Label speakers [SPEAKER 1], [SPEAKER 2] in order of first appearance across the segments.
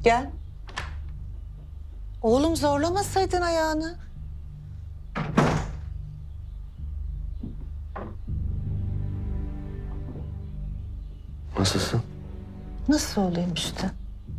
[SPEAKER 1] Gel. Oğlum zorlamasaydın ayağını.
[SPEAKER 2] Nasılsın?
[SPEAKER 1] Nasıl olayım işte?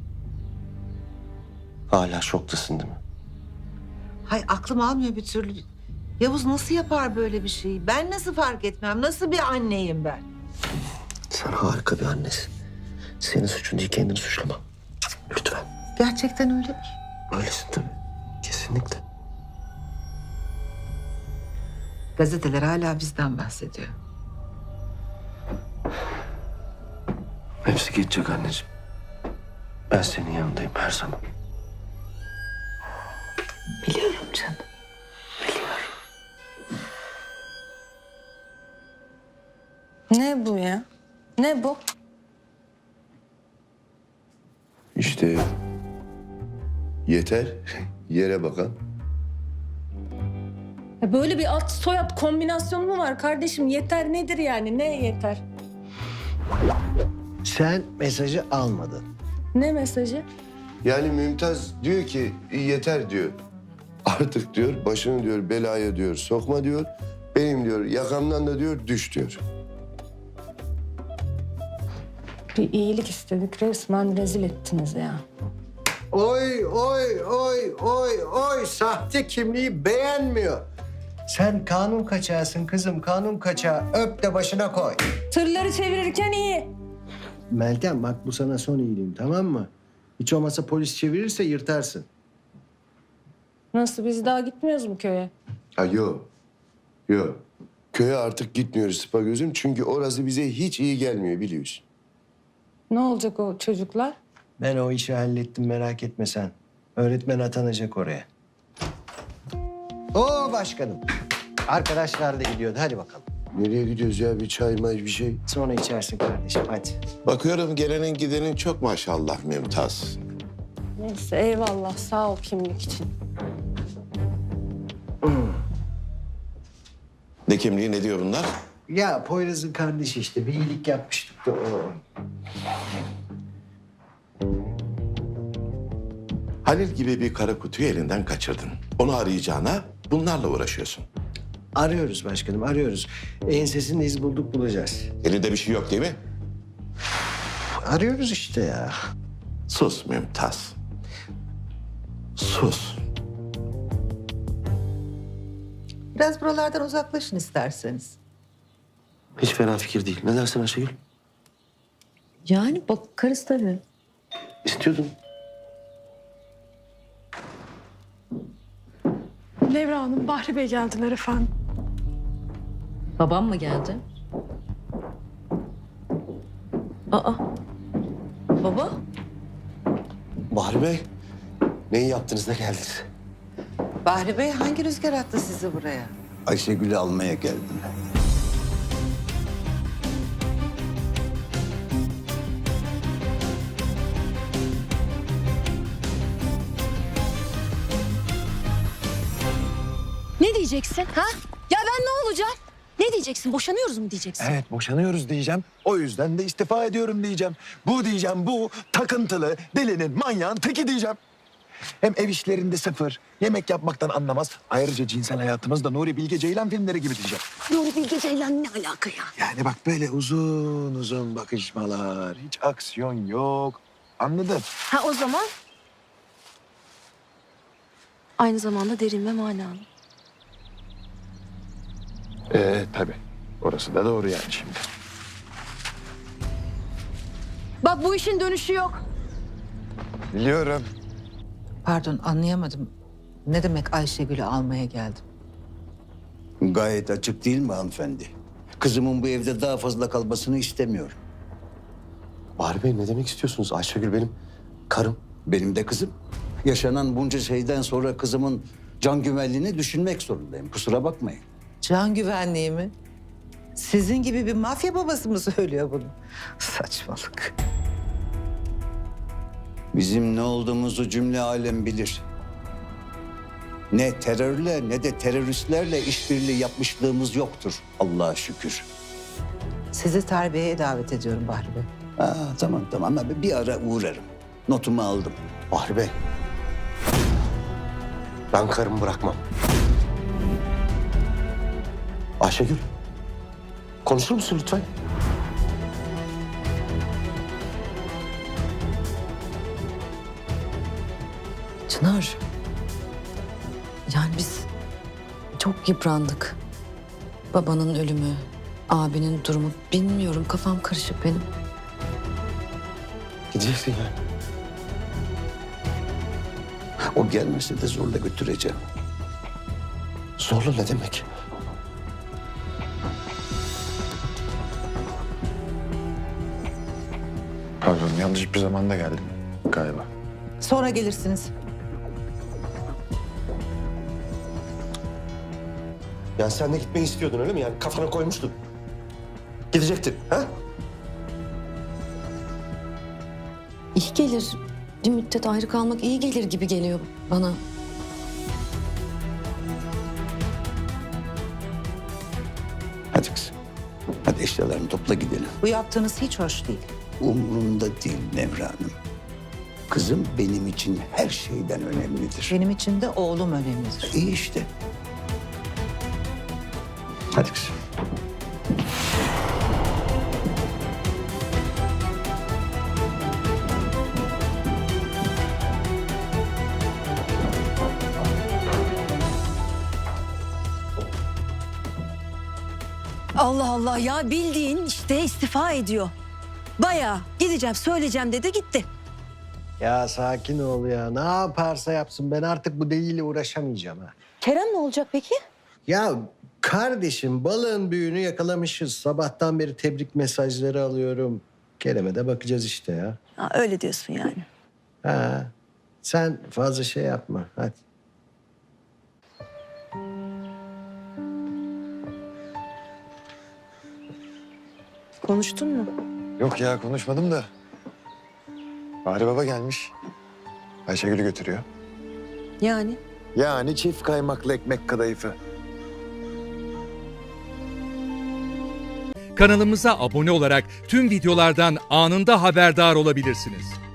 [SPEAKER 2] Hala şoktasın değil mi?
[SPEAKER 1] Hay aklım almıyor bir türlü. Yavuz nasıl yapar böyle bir şeyi? Ben nasıl fark etmem? Nasıl bir anneyim ben?
[SPEAKER 2] Sen harika bir annesin. Senin suçun değil, kendini suçlama. Lütfen.
[SPEAKER 1] Gerçekten öyle mi?
[SPEAKER 2] Öylesin tabii. Kesinlikle.
[SPEAKER 1] Gazeteler hala bizden bahsediyor.
[SPEAKER 2] Hepsi geçecek anneciğim. Ben senin yanındayım her zaman.
[SPEAKER 1] Biliyorum canım.
[SPEAKER 3] Ne bu ya? Ne bu?
[SPEAKER 4] İşte yeter yere bakan.
[SPEAKER 3] Ya böyle bir ad soyad kombinasyonu mu var kardeşim? Yeter nedir yani? Ne yeter?
[SPEAKER 5] Sen mesajı almadın.
[SPEAKER 3] Ne mesajı?
[SPEAKER 4] Yani Mümtaz diyor ki yeter diyor. Artık diyor başını diyor belaya diyor sokma diyor. Benim diyor yakamdan da diyor düş diyor.
[SPEAKER 3] Bir iyilik istedik, resmen rezil ettiniz ya.
[SPEAKER 5] Oy oy oy oy oy sahte kimliği beğenmiyor. Sen kanun kaçağısın kızım, kanun kaçağı. Öp de başına koy.
[SPEAKER 3] Tırları çevirirken iyi.
[SPEAKER 5] Meltem bak bu sana son iyiliğim, tamam mı? Hiç olmazsa polis çevirirse yırtarsın.
[SPEAKER 3] Nasıl, biz daha gitmiyoruz mu köye?
[SPEAKER 4] Ha yok. Yok. Köye artık gitmiyoruz Sıpa gözüm çünkü orası bize hiç iyi gelmiyor biliyorsun.
[SPEAKER 3] Ne olacak o çocuklar?
[SPEAKER 5] Ben o işi hallettim, merak etme sen. Öğretmen atanacak oraya. Oo başkanım. Arkadaşlar da gidiyordu, hadi bakalım.
[SPEAKER 4] Nereye gidiyoruz ya bir çay may bir şey.
[SPEAKER 5] Sonra içersin kardeşim, hadi.
[SPEAKER 6] Bakıyorum gelenin gidenin çok maşallah Mümtaz.
[SPEAKER 3] Neyse eyvallah, sağ ol kimlik için.
[SPEAKER 6] Ne kimliği ne diyor bunlar?
[SPEAKER 5] Ya Poyraz'ın kardeşi işte, bir iyilik yapmıştık da o.
[SPEAKER 6] Halil gibi bir kara kutuyu elinden kaçırdın. Onu arayacağına bunlarla uğraşıyorsun.
[SPEAKER 5] Arıyoruz başkanım, arıyoruz. Ensesinin iz bulduk, bulacağız.
[SPEAKER 6] Elinde bir şey yok değil mi?
[SPEAKER 5] Arıyoruz işte ya.
[SPEAKER 6] Sus Mümtaz. Sus.
[SPEAKER 1] Biraz buralardan uzaklaşın isterseniz.
[SPEAKER 2] Hiç fena fikir değil. Ne dersin Ayşegül?
[SPEAKER 3] Yani bakarız tabii.
[SPEAKER 2] İstiyordun.
[SPEAKER 7] Leyla Hanım, Bahri Bey geldiler efendim.
[SPEAKER 8] Babam mı geldi? Aa. Baba?
[SPEAKER 2] Bahri Bey, neyi yaptınız da geldiniz?
[SPEAKER 1] Bahri Bey hangi rüzgar attı sizi buraya?
[SPEAKER 9] Ayşegül'ü almaya geldim.
[SPEAKER 10] Ne diyeceksin ha? Ya ben ne olacağım? Ne diyeceksin? Boşanıyoruz mu diyeceksin?
[SPEAKER 11] Evet, boşanıyoruz diyeceğim. O yüzden de istifa ediyorum diyeceğim. Bu diyeceğim, bu takıntılı, delinin, manyağın teki diyeceğim. Hem ev işlerinde sıfır, yemek yapmaktan anlamaz. Ayrıca cinsel hayatımız da Nuri Bilge Ceylan filmleri gibi diyeceğim.
[SPEAKER 10] Nuri Bilge Ceylan ne alaka ya?
[SPEAKER 11] Yani bak böyle uzun uzun bakışmalar, hiç aksiyon yok. Anladın?
[SPEAKER 10] Ha o zaman aynı zamanda derin ve manalı.
[SPEAKER 11] Tabii. Orası da doğru yani şimdi.
[SPEAKER 10] Bak bu işin dönüşü yok.
[SPEAKER 11] Biliyorum.
[SPEAKER 1] Pardon anlayamadım. Ne demek Ayşegül'ü almaya geldim?
[SPEAKER 9] Gayet açık değil mi hanımefendi? Kızımın bu evde daha fazla kalmasını istemiyorum.
[SPEAKER 2] Bahri Bey ne demek istiyorsunuz? Ayşegül benim karım.
[SPEAKER 9] Benim de kızım. Yaşanan bunca şeyden sonra kızımın can güvenliğini düşünmek zorundayım. Kusura bakmayın.
[SPEAKER 1] Can güvenliği mi? Sizin gibi bir mafya babası mı söylüyor bunu? Saçmalık.
[SPEAKER 9] Bizim ne olduğumuzu cümle alem bilir. Ne terörle ne de teröristlerle işbirliği yapmışlığımız yoktur Allah'a şükür.
[SPEAKER 1] Sizi terbiyeye davet ediyorum Bahri Bey.
[SPEAKER 9] Tamam bir ara uğrarım. Notumu aldım.
[SPEAKER 2] Bahri Bey. Ben karımı bırakmam. Ayşegül. Konuşur musun lütfen?
[SPEAKER 8] Çınar. Yani biz çok yıprandık. Babanın ölümü, abinin durumu bilmiyorum. Kafam karışık benim.
[SPEAKER 2] Gideceksin yani.
[SPEAKER 9] O gelmese de zorla götüreceğim.
[SPEAKER 2] Zorla ne demek?
[SPEAKER 11] Pardon, yanlış bir zamanda geldim galiba.
[SPEAKER 1] Sonra gelirsiniz.
[SPEAKER 2] Yani sen de gitmeyi istiyordun öyle mi? Yani kafana koymuştun. Gidecektin, ha?
[SPEAKER 8] İyi gelir. Bir müddet ayrı kalmak iyi gelir gibi geliyor bana.
[SPEAKER 9] Hadi kızım. Hadi eşyalarını topla gidelim.
[SPEAKER 1] Bu yaptığınız hiç hoş değil.
[SPEAKER 9] Umurumda değil Nevra Hanım. Kızım benim için her şeyden önemlidir.
[SPEAKER 1] Benim için de oğlum önemlidir.
[SPEAKER 9] İyi işte. Hadi kızım.
[SPEAKER 10] Allah Allah ya, bildiğin işte istifa ediyor. Bayağı gideceğim söyleyeceğim dedi gitti.
[SPEAKER 5] Ya sakin ol ya. Ne yaparsa yapsın. Ben artık bu deliyle uğraşamayacağım ha.
[SPEAKER 10] Kerem ne olacak peki?
[SPEAKER 5] Ya kardeşim balığın büyüğünü yakalamışız. Sabahtan beri tebrik mesajları alıyorum. Kerem'e de bakacağız işte ya.
[SPEAKER 10] Ha, öyle diyorsun yani.
[SPEAKER 5] Ha. Sen fazla şey yapma. Hadi.
[SPEAKER 10] Konuştun mu?
[SPEAKER 11] Yok ya, konuşmadım da. Bahri Baba gelmiş. Ayşegül'ü götürüyor.
[SPEAKER 10] Yani?
[SPEAKER 11] Yani çift kaymaklı ekmek kadayıfı.
[SPEAKER 12] Kanalımıza abone olarak tüm videolardan anında haberdar olabilirsiniz.